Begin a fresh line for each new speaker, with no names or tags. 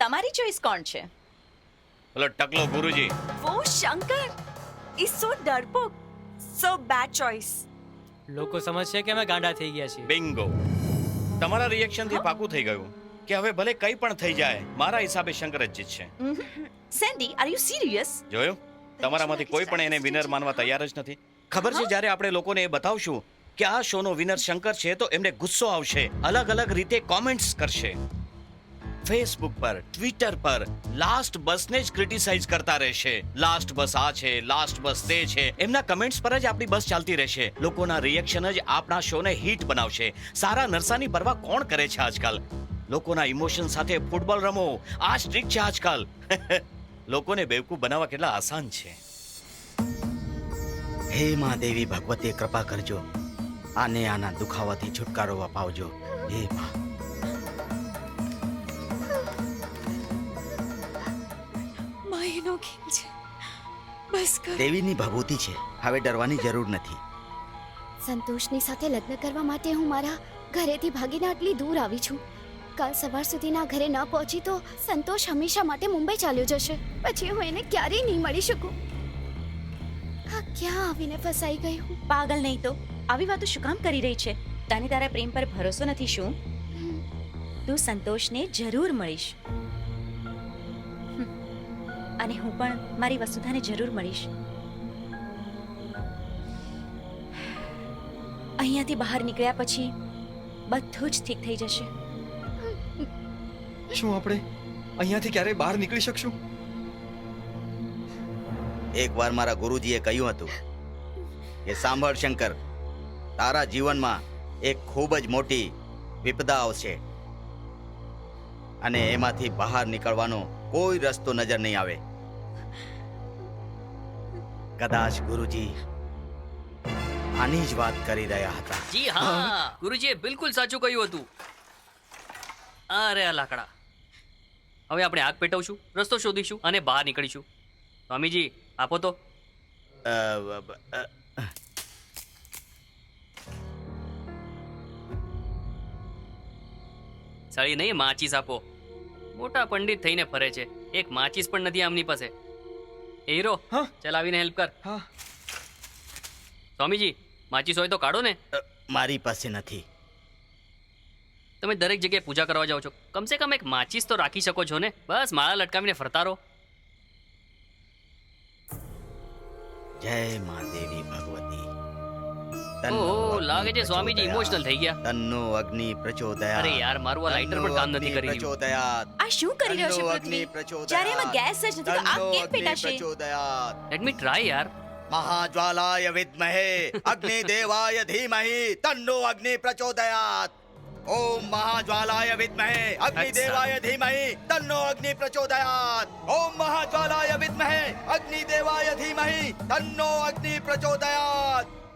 તમારી ચોઈસ કોણ છે?
ઓલો ટકલો ગુરુજી.
વો શંકર ઇઝ સો ડરપોક, સો બેડ ચોઇસ.
લોકો સમજશે કે અમે ગાંડા થઈ ગયા છીએ.
બિંગો. તમારા રિએક્શન થી પાકું થઈ ગયું કે હવે ભલે કંઈ પણ થઈ જાય, મારા હિસાબે શંકર જ જીતશે.
Sandy, are you serious?
જોયું? તમારામાંથી કોઈ પણ એને વિનર માનવા તૈયાર જ નથી. ખબર છે, જ્યારે આપણે લોકોને એ બતાવશું કે આ શોનો વિનર શંકર છે, તો એમને ગુસ્સો આવશે, અલગ અલગ રીતે કોમેન્ટ્સ કરશે. ફેસબુક પર, ટ્વિટર પર લાસ્ટ બસને જ ક્રિટિસાઇઝ કરતા રહેશે. લાસ્ટ બસ આ છે, લાસ્ટ બસ તે છે. એમના કમેન્ટ્સ પર જ આપણી બસ ચાલતી રહેશે. લોકોના રિએક્શન જ આપણા શોને હિટ બનાવશે. સારા નરસાની પરવા કોણ કરે છે આજકાલ? લોકોના ઇમોશન સાથે ફૂટબોલ રમો, આ સ્ટ્રીક છે આજકાલ. લોકોને બેવકૂફ બનાવવા કેટલા આસાન છે.
હે માં દેવી ભગવતી, કૃપા કરજો, આને આના દુખાવાથી છુટકારો અપાવજો. હે માં.
માયનો ખેલ છે, બસ કર.
દેવીની ભભૂતિ છે, હવે ડરવાની જરૂર નથી.
સંતોષની સાથે લગ્ન કરવા માટે હું મારા ઘરેથી ભાગીને આટલી દૂર આવી છું. કાલ સવાર સુધીના ઘરે ન પહોંચી તો સંતોષ હંમેશા માટે મુંબઈ ચાલ્યો જશે. પછી હું એને ક્યારેય નહીં મળી શકું. આ ક્યાં આવીને ફસાઈ ગઈ હું?
પાગલ નહીં તો આવી વાતો શું કામ કરી રહી છે? તને તારા પ્રેમ પર ભરોસો નથી શું? તું સંતોષને જરૂર મળીશ, અને હું પણ મારી વસુધાને જરૂર મળીશ. અહીંયાથી બહાર નીકળ્યા પછી બધું જ ઠીક થઈ જશે.
શું આપણે અહીંયાથી ક્યારેય બહાર નીકળી શકશું?
એકવાર મારા ગુરુજીએ કહ્યું હતું કે સાંભળ શંકર, તારા જીવનમાં એક ખૂબ જ મોટી વિપદા આવશે અને એમાંથી બહાર નીકળવાનો કોઈ રસ્તો નજર નહીં આવે. કદાચ ગુરુજી આની જ વાત કરી રહ્યા હતા.
જી હા, ગુરુજીએ બિલકુલ સાચું કહ્યું હતું. અરે આ લાકડા. હવે આપણે આગ પેટવશું, રસ્તો શોધીશું અને બહાર નીકળીશું. સ્વામીજી આપો તો. સાળી નહીં, માચીસ આપો. મોટા પંડિત થઈને ફરે છે, એક માચીસ પણ નથી આમની પાસે. એ હીરો,
હા?
ચાલ આવીને હેલ્પ કર.
હા.
સ્વામીજી માચીસ હોય તો કાઢો ને.
મારી પાસે નથી.
તમે દરેક જગ્યાએ પૂજા કરવા જાઓ છો, કમસે કમ એક માચીસ તો રાખી શકો છો ને. બસ માળા લટકાવીને ફરતા રહો.
જય મા દેવી ભગવતી.
ઓહો, લાગે છે સ્વામીજી ઇમોશનલ થઈ ગયા.
તન્નો અગ્નિ પ્રચોદયાત.
અરે યાર, મારું આ લાઇટર પણ કામ નથી કરી રહ્યું.
પ્રચોદયાત.
આ શું કરી રહ્યો છે પૃથ્વી? જ્યારે એમાં ગેસ જ નથી તો આગ કેમ પેટાશે?
પ્રચોદયાત.
લેટ મી ટ્રાય યાર.
મહાજ્વાલાય વિદ્મહે અગ્નિદેવાય ધીમહિ તન્નો અગ્નિ પ્રચોદયાત. ઓમ મહાજ્વાલાય વિદ્મહે અગ્નિદેવાય ધીમહિ તન્નો અગ્નિ પ્રચોદયાત. ઓમ મહાજ્વાલાય વિદ્મહે અગ્નિદેવાય ધીમહિ તન્નો અગ્નિ પ્રચોદયાત.